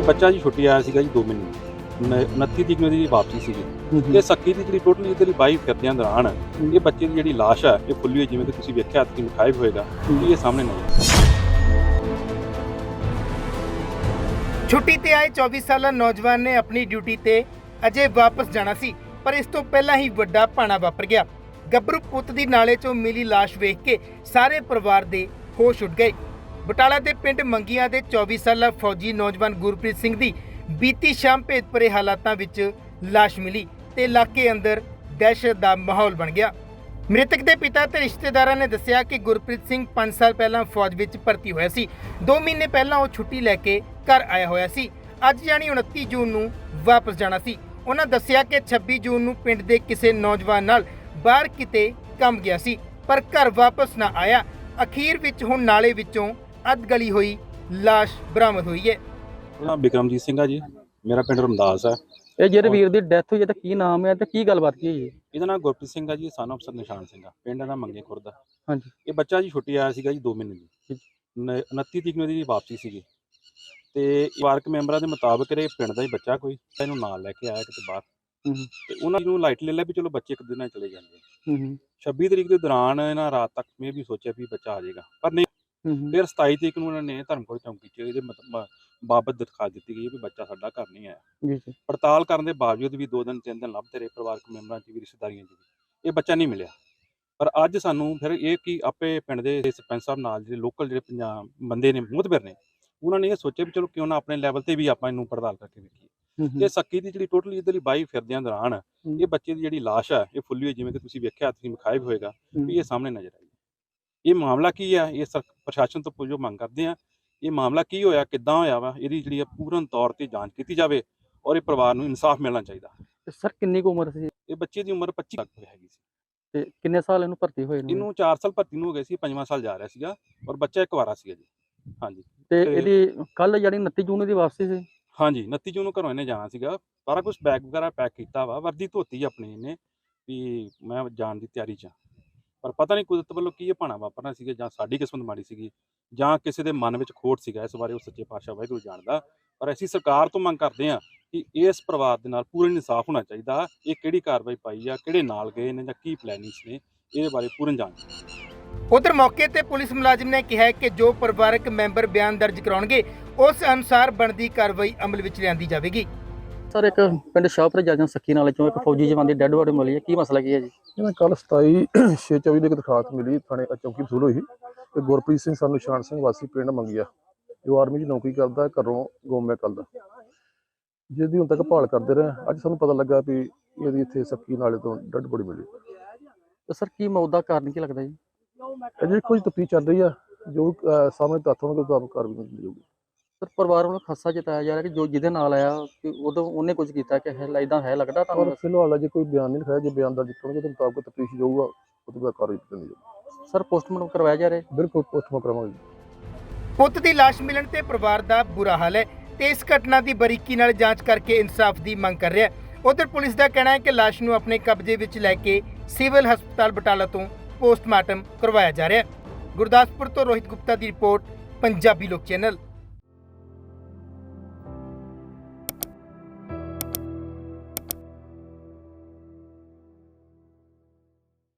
ਬੱਚਾ ਜੀ ਛੁੱਟੀ ਆਇਆ ਸੀਗਾ ਜੀ 2 ਮਹੀਨੇ 29 ਤਰੀਕ ਨੂੰ ਇਹਦੀ ਵਾਪਸੀ ਸੀਗੀ ਤੇ ਸੱਕੀ ਦੀ ਜਿਹੜੀ ਟੋਟਲੀ ਇਹਦੀ ਬਾਈ ਫਿਰਦਿਆਂ ਦੌਰਾਨ ਇਹ ਬੱਚੇ ਦੀ ਜਿਹੜੀ ਲਾਸ਼ ਹੈ ਇਹ ਫੁੱਲੀ ਹੋਈ, ਜਿਵੇਂ ਕਿ ਤੁਸੀਂ ਵੇਖਿਆ ਤੁਸੀਂ ਵਿਖਾਇਆ ਹੋਏਗਾ ਇਹ ਸਾਹਮਣੇ ਨਹੀਂ। ਛੁੱਟੀ ਤੇ ਆਏ 24 ਸਾਲਾ ਨੌਜਵਾਨ ਨੇ ਆਪਣੀ ਡਿਊਟੀ ਤੇ ਅਜੇ ਵਾਪਸ ਜਾਣਾ ਸੀ, ਪਰ ਇਸ ਤੋਂ ਪਹਿਲਾਂ ਹੀ ਵੱਡਾ ਭਾਣਾ ਵਾਪਰ ਗਿਆ। ਗੱਭਰੂ ਪੁੱਤ ਦੀ ਨਾਲੇ 'ਚੋਂ ਮਿਲੀ ਲਾਸ਼ ਵੇਖ ਕੇ ਸਾਰੇ ਪਰਿਵਾਰ ਦੇ ਹੋਸ਼ ਉੱਡ ਗਏ। ਬਟਾਲਾ ਦੇ ਪਿੰਡ ਮੰਗੀਆਂ ਦੇ 24 ਸਾਲਾ ਫੌਜੀ ਨੌਜਵਾਨ ਗੁਰਪ੍ਰੀਤ ਸਿੰਘ ਦੀ ਬੀਤੀ ਸ਼ਾਮ ਭੇਦਭਰੇ ਹਾਲਾਤਾਂ ਵਿੱਚ ਲਾਸ਼ ਮਿਲੀ ਤੇ ਇਲਾਕੇ ਅੰਦਰ ਦਹਿਸ਼ਤ ਦਾ ਮਾਹੌਲ ਬਣ ਗਿਆ। ਮ੍ਰਿਤਕ ਦੇ ਪਿਤਾ ਤੇ ਰਿਸ਼ਤੇਦਾਰਾਂ ਨੇ ਦੱਸਿਆ ਕਿ ਗੁਰਪ੍ਰੀਤ ਸਿੰਘ 5 ਸਾਲ ਪਹਿਲਾਂ ਫੌਜ ਵਿੱਚ ਭਰਤੀ ਹੋਇਆ ਸੀ। 2 ਮਹੀਨੇ ਪਹਿਲਾਂ ਉਹ ਛੁੱਟੀ ਲੈ ਕੇ ਘਰ ਆਇਆ ਹੋਇਆ ਸੀ। ਅੱਜ ਯਾਨੀ 29 ਜੂਨ ਨੂੰ ਵਾਪਸ ਜਾਣਾ ਸੀ। ਉਹਨਾਂ ਦੱਸਿਆ ਕਿ 26 ਜੂਨ ਨੂੰ ਪਿੰਡ ਦੇ ਕਿਸੇ ਨੌਜਵਾਨ ਨਾਲ ਬਾਹਰ ਕਿਤੇ ਕੰਮ ਗਿਆ ਸੀ, ਪਰ ਘਰ ਵਾਪਸ ਨਾ ਆਇਆ। ਅਖੀਰ ਵਿੱਚ ਹੁਣ ਨਾਲੇ ਵਿੱਚੋਂ ਅੱਧ ਗਲੀ ਹੋਈ ਲਾਸ਼ ਬਰਾਮਦ ਹੋਈ ਹੈ। ਨਾਮ ਬਿਕਰਮਜੀਤ ਸਿੰਘ ਆ ਜੀ, ਮੇਰਾ ਪਿੰਡ ਰਮਦਾਸ ਹੈ। ਇਹ ਜਿਹੜੇ ਵੀਰ ਦੀ ਡੈਥ ਹੋਈ ਹੈ ਤਾਂ ਕੀ ਨਾਮ ਹੈ ਤੇ ਕੀ ਗੱਲਬਾਤ ਕੀ ਹੋਈ ਹੈ? ਇਹਦਾ ਨਾਮ ਗੁਰਪ੍ਰੀਤ ਸਿੰਘ ਆ ਜੀ, ਸਨ ਅਫਸਰ ਨਿਸ਼ਾਨ ਸਿੰਘ ਆ, ਪਿੰਡ ਦਾ ਮੰਗੇ ਖੁਰਦ। ਹਾਂਜੀ। ਇਹ ਬੱਚਾ ਜੀ ਛੁੱਟੀ ਆਇਆ ਸੀਗਾ ਜੀ 2 ਮਹੀਨੇ ਦੀ 29 ਤਰੀਕ ਨੂੰ ਇਹਦੀ ਵਾਪਸੀ ਸੀਗੀ ਤੇ ਪਰਿਵਾਰਕ ਮੈਂਬਰਾਂ ਦੇ ਮੁਤਾਬਕ ਇਹ ਪਿੰਡ ਦਾ ਹੀ ਬੱਚਾ ਕੋਈ ਇਹਨੂੰ ਨਾਲ ਲੈ ਕੇ ਆਇਆ ਕਿਤੇ ਬਾਹਰ ਤੇ ਉਹਨਾਂ ਨੂੰ ਲਾਈਟ ਲੈ ਲਿਆ ਵੀ ਚਲੋ ਬੱਚੇ ਇੱਕ ਦਿਨ ਨਾਲ ਚਲੇ ਜਾਂਦੇ। 26 ਤਰੀਕ ਦੇ ਦੌਰਾਨ ਇਹਨਾਂ ਰਾਤ ਤੱਕ ਮੈਂ ਵੀ ਸੋਚਿਆ ਵੀ ਬੱਚਾ ਆ ਜਾਏਗਾ, ਪਰ ਨਹੀਂ। ਫਿਰ 27 ਤਰੀਕ ਨੂੰ ਉਹਨਾਂ ਨੇ ਧਰਮਕੋਟ ਚੌਂਕੀ 'ਚ ਇਹਦੇ ਬਾਬਤ ਦਿਖਾ ਦਿੱਤੀ ਗਈ ਵੀ ਬੱਚਾ ਸਾਡਾ ਘਰ ਨਹੀਂ ਆਇਆ। ਪੜਤਾਲ ਕਰਨ ਦੇ ਬਾਵਜੂਦ ਵੀ 2 ਦਿਨ 3 ਦਿਨ ਲੱਭਦੇ ਰਹੇ ਪਰਿਵਾਰਕ ਮੈਂਬਰਾਂ 'ਚ ਵੀ ਰਿਸ਼ਤੇਦਾਰੀਆਂ 'ਚ ਵੀ ਇਹ ਬੱਚਾ ਨਹੀਂ ਮਿਲਿਆ। ਪਰ ਅੱਜ ਸਾਨੂੰ ਫਿਰ ਇਹ ਕਿ ਆਪੇ ਪਿੰਡ ਦੇ ਸਰਪੰਚ ਸਾਹਿਬ ਨਾਲ ਜਿਹੜੇ ਲੋਕਲ ਜਿਹੜੇ ਪੰਜਾਬ ਬੰਦੇ ਨੇ ਮੁਤਬਰ ਨੇ, ਉਹਨਾਂ ਨੇ ਇਹ ਸੋਚਿਆ ਵੀ ਚਲੋ ਕਿਉਂ ਨਾ ਆਪਣੇ ਲੈਵਲ ਤੇ ਵੀ ਆਪਾਂ ਇਹਨੂੰ ਪੜਤਾਲ ਕਰਕੇ ਵੇਖੀਏ। ਤੇ ਸੱਕੀ ਦੀ ਜਿਹੜੀ ਟੋਟਲੀ ਇਹਦੀ ਬਾਈ ਫਿਰਦਿਆਂ ਦੌਰਾਨ ਇਹ ਬੱਚੇ ਦੀ ਜਿਹੜੀ ਲਾਸ਼ ਹੈ ਇਹ ਫੁੱਲੀ ਹੋਈ, ਜਿਵੇਂ ਕਿ ਤੁਸੀਂ ਵੇਖਿਆ ਤੁਸੀਂ ਵਿਖਾਇਆ ਹੋਏਗਾ ਵੀ ਇਹ ਸਾਹਮਣੇ ਨਜ਼ਰ ਆਈ। ਇਹ ਮਾਮਲਾ ਕੀ ਆ, ਇਹ ਪ੍ਰਸ਼ਾਸਨ ਤੋਂ ਪੁੱਛੋ ਮੰਗ ਕਰਦੇ ਆ। ਇਹ ਮਾਮਲਾ ਕੀ ਹੋਇਆ, ਕਿੱਦਾਂ ਹੋਇਆ ਵਾ, ਇਹਦੀ ਜਿਹੜੀ ਪੂਰਨ ਤੌਰ ਤੇ ਜਾਂਚ ਕੀਤੀ ਜਾਵੇ ਔਰ ਇਹ ਪਰਿਵਾਰ ਨੂੰ ਇਨਸਾਫ ਮਿਲਣਾ ਚਾਹੀਦਾ। ਸਰ ਕਿੰਨੀ ਕੁ ਉਮਰ ਸੀ? ਇਹ ਬੱਚੇ ਦੀ ਉਮਰ 25 ਤੱਕ ਹੈਗੀ ਸੀ ਤੇ ਕਿੰਨੇ ਸਾਲ ਇਹਨੂੰ ਭਰਤੀ ਹੋਏ ਨੂੰ? ਇਹਨੂੰ 4 ਸਾਲ ਭਰਤੀ ਨੂੰ ਹੋ ਗਏ ਸੀ, 5ਵਾਂ ਸਾਲ ਜਾ ਰਿਹਾ ਸੀਗਾ ਔਰ ਬੱਚਾ ਇੱਕ ਵਾਰਾ ਸੀਗਾ ਜੀ। ਹਾਂਜੀ। ਤੇ ਇਹਦੀ ਕੱਲ ਜਿਹੜੀ 29 ਜੂਨ ਦੀ ਵਾਪਸੀ ਸੀ? ਹਾਂਜੀ, 29 ਜੂਨ ਨੂੰ ਘਰੋਂ ਇਹਨੇ ਜਾਣਾ ਸੀਗਾ। ਸਾਰਾ ਕੁਝ ਬੈਗ ਵਗੈਰਾ ਪੈਕ ਕੀਤਾ ਵਾ, ਵਰਦੀ ਧੋਤੀ ਆਪਣੀ ਇਹਨੇ ਵੀ ਮੈਂ ਜਾਣ ਦੀ ਤਿਆਰੀ 'ਚ। ਪਰ ਪਤਾ ਨਹੀਂ ਕੁਦਰਤ ਵੱਲੋਂ ਕੀ ਇਹ ਭਾਣਾ ਵਾਪਰਨਾ ਸੀਗਾ, ਜਾਂ ਸਾਡੀ ਕਿਸਮਤ ਮਾੜੀ ਸੀਗੀ ਜਾਂ ਕਿਸੇ ਦੇ ਮਨ ਵਿੱਚ ਖੋਟ ਸੀਗਾ। ਇਸ ਬਾਰੇ ਉਹ ਸੱਚੇ ਪਾਤਸ਼ਾਹ ਵਾਹਿਗੁਰੂ ਜਾਣਦਾ। ਪਰ ਅਸੀਂ ਸਰਕਾਰ ਤੋਂ ਮੰਗ ਕਰਦੇ ਹਾਂ ਕਿ ਇਸ ਪਰਿਵਾਰ ਦੇ ਨਾਲ ਪੂਰਨ ਇਨਸਾਫ ਹੋਣਾ ਚਾਹੀਦਾ। ਇਹ ਕਿਹੜੀ ਕਾਰਵਾਈ ਪਾਈ ਆ, ਕਿਹੜੇ ਨਾਲ ਗਏ ਨੇ ਜਾਂ ਕੀ ਪਲੈਨਿੰਗਸ ਨੇ, ਇਹਦੇ ਬਾਰੇ ਪੂਰਨ ਜਾਂਚ। ਉਧਰ ਮੌਕੇ ਤੇ ਪੁਲਿਸ ਮੁਲਾਜ਼ਮ ਨੇ ਕਿਹਾ ਕਿ ਜੋ ਪਰਿਵਾਰਕ ਮੈਂਬਰ ਬਿਆਨ ਦਰਜ ਕਰਾਉਣਗੇ ਉਸ ਅਨੁਸਾਰ ਬਣਦੀ ਕਾਰਵਾਈ ਅਮਲ ਵਿੱਚ ਲਿਆਂਦੀ ਜਾਵੇਗੀ। ਸਰ ਇੱਕ ਪਿੰਡ ਸ਼ਾਹਪੁਰ ਜਾਜਾਂ ਸੱਕੀ ਨਾਲੇ ਚੋਂ ਇੱਕ ਫੌਜੀ ਜਵਾਨ ਦੀ ਡੈੱਡ ਬੋਡੀ ਮਿਲੀ ਹੈ, ਕੀ ਮਸਲਾ ਕੀ ਹੈ ਜੀ? ਇਹਨਾਂ ਕੱਲ 27/6/24 ਦੀ ਦਰਖਾਸਤ ਮਿਲੀ ਥਾਣੇ ਚੌਂਕੀ ਵਸੂਲ ਹੋਈ ਤੇ ਗੁਰਪ੍ਰੀਤ ਸਿੰਘ ਸਾਨੂੰ ਨਿਸ਼ਾਨ ਸਿੰਘ ਵਾਸੀ ਪਿੰਡ ਮੰਗਿਆ, ਜੋ ਆਰਮੀ 'ਚ ਨੌਕਰੀ ਕਰਦਾ, ਘਰੋਂ ਗੁੰਮ ਹੈ ਕੱਲ ਦਾ, ਜਿਹਦੀ ਹੁਣ ਤੱਕ ਭਾਲ ਕਰਦੇ ਰਹੇ। ਅੱਜ ਸਾਨੂੰ ਪਤਾ ਲੱਗਾ ਵੀ ਇਹਦੀ ਇੱਥੇ ਸੱਕੀ ਨਾਲੇ ਤੋਂ ਡੈੱਡ ਬੋਡੀ ਮਿਲੀ। ਤੇ ਸਰ ਕੀ ਮੌਤ ਦਾ ਕਾਰਨ ਕੀ ਲੱਗਦਾ ਜੀ? ਅਜੇ ਕੁਝ ਤਫਤੀਸ਼ ਚੱਲ ਰਹੀ ਆ, ਜੋ ਸਾਹਮਣੇ ਤੱਥ ਹੋਣਗੇ ਉਹ ਆਪ ਕਾਰਵਾਈ ਕੀਤੀ ਜਾਊਗੀ। ਸਰ ਪਰਿਵਾਰ ਵੱਲੋਂ ਖਾਸਾ ਜਤਾਇਆ ਜਾ ਰਿਹਾ ਕਿ ਜੋ ਜਿਹਦੇ ਨਾਲ ਆਇਆ ਕਿ ਉਦੋਂ ਉਹਨੇ ਕੁਝ ਕੀਤਾ ਕਿ ਇਦਾਂ ਹੈ ਲੱਗਦਾ ਪਰ ਤੁਹਾਨੂੰ? ਫਿਲਹਾਲ ਅਜੇ ਕੋਈ ਬਿਆਨ ਨਹੀਂ ਲਿਖਾਇਆ, ਜੇ ਬਿਆਨ ਦਰਜ ਕਰਨਗੇ ਤਾਂ ਮੁਤਾਬਕ ਤਫਤੀਸ਼ ਜਾਊਗਾ, ਉਹਦੇ ਬਾਅਦ ਕਾਰਵਾਈ ਕੀਤੀ ਜਾਊਗੀ। ਸਰ ਪੋਸਟਮਾਰਟਮ ਕਰਵਾਇਆ ਜਾ ਰਿਹਾ? ਬਿਲਕੁਲ ਪੋਸਟਮਾਰਟਮ ਕਰਾਵਾਂਗੇ। ਪੁੱਤ ਦੀ ਲਾਸ਼ ਮਿਲਣ ਤੇ ਪਰਿਵਾਰ ਦਾ ਬੁਰਾ ਹਾਲ ਹੈ ਤੇ ਇਸ ਘਟਨਾ ਦੀ ਬਰੀਕੀ ਨਾਲ ਜਾਂਚ ਕਰਕੇ ਇਨਸਾਫ ਦੀ ਮੰਗ ਕਰ ਰਿਹਾ ਹੈ। ਉਧਰ ਪੁਲਿਸ ਦਾ ਕਹਿਣਾ ਹੈ ਕਿ ਲਾਸ਼ ਨੂੰ ਆਪਣੇ ਕਬਜ਼ੇ ਵਿੱਚ ਲੈ ਕੇ ਸਿਵਲ ਹਸਪਤਾਲ ਬਟਾਲਾ ਤੋਂ ਪੋਸਟਮਾਰਟਮ ਕਰਵਾਇਆ ਜਾ ਰਿਹਾ ਹੈ। ਗੁਰਦਾਸਪੁਰ ਤੋਂ ਰੋਹਿਤ ਗੁਪਤਾ ਦੀ ਰਿਪੋਰਟ, ਪੰਜਾਬੀ ਲੋਕ ਚੈਨਲ।